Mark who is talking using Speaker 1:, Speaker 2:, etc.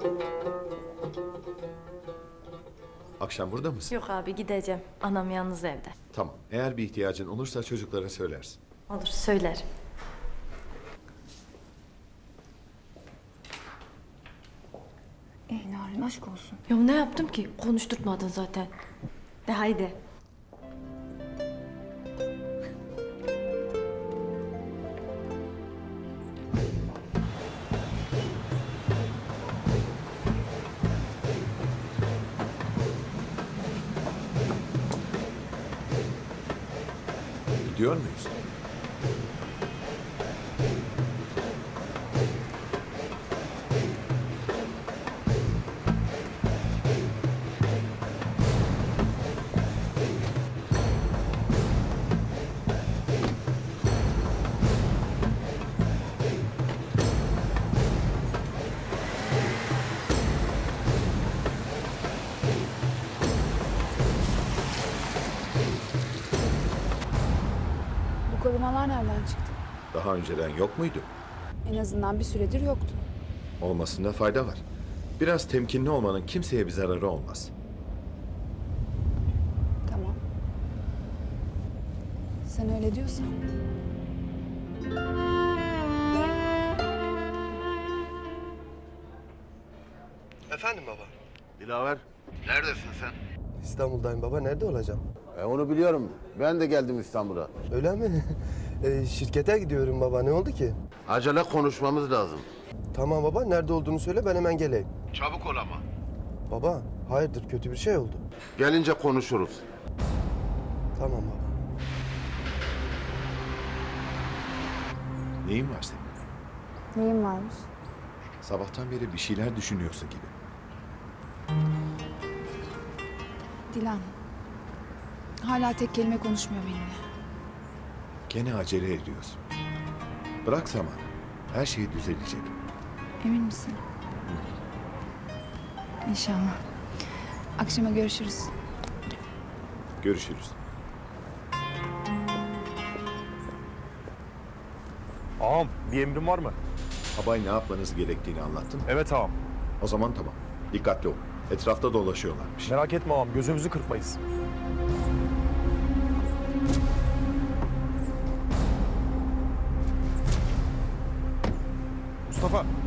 Speaker 1: Akşam burada mısın?
Speaker 2: Yok abi gideceğim. Anam yalnız evde.
Speaker 1: Tamam. Eğer bir ihtiyacın olursa çocuklara söylersin.
Speaker 2: Olur söyler.
Speaker 3: Narin aşk olsun.
Speaker 2: Ya ne yaptım ki? Konuşturtmadın zaten. De haydi.
Speaker 1: Gidiyor muyuz?
Speaker 3: Bu korumalar nereden çıktı?
Speaker 1: Daha önceden yok muydu?
Speaker 3: En azından bir süredir yoktu.
Speaker 1: Olmasında fayda var. Biraz temkinli olmanın kimseye bir zararı olmaz.
Speaker 3: Tamam. Sen öyle diyorsan.
Speaker 4: Efendim baba.
Speaker 5: Dilaver, neredesin sen?
Speaker 4: İstanbul'dayım baba. Nerede olacağım?
Speaker 5: Onu biliyorum. Ben de geldim İstanbul'a.
Speaker 4: Öyle mi? Şirkete gidiyorum baba. Ne oldu ki?
Speaker 5: Acele konuşmamız lazım.
Speaker 4: Tamam baba. Nerede olduğunu söyle ben hemen geleyim.
Speaker 5: Çabuk ol ama.
Speaker 4: Baba hayırdır kötü bir şey oldu.
Speaker 5: Gelince konuşuruz.
Speaker 4: Tamam baba.
Speaker 1: Neyin var senin?
Speaker 3: Neyin varmış?
Speaker 1: Sabahtan beri bir şeyler düşünüyorsun gibi.
Speaker 3: Dilan. Hala tek kelime konuşmuyor benimle.
Speaker 1: Gene acele ediyorsun. Bırak zaman. Her şey düzelecek.
Speaker 3: Emin misin? İnşallah. Akşama görüşürüz.
Speaker 1: Görüşürüz.
Speaker 6: Ağam bir emrin var mı?
Speaker 1: Abay ne yapmanız gerektiğini anlattın.
Speaker 6: Evet ağam.
Speaker 1: O zaman tamam. Dikkatli ol. Etrafta dolaşıyorlarmış.
Speaker 6: Merak etme ağam, gözümüzü kırpmayız. Mustafa,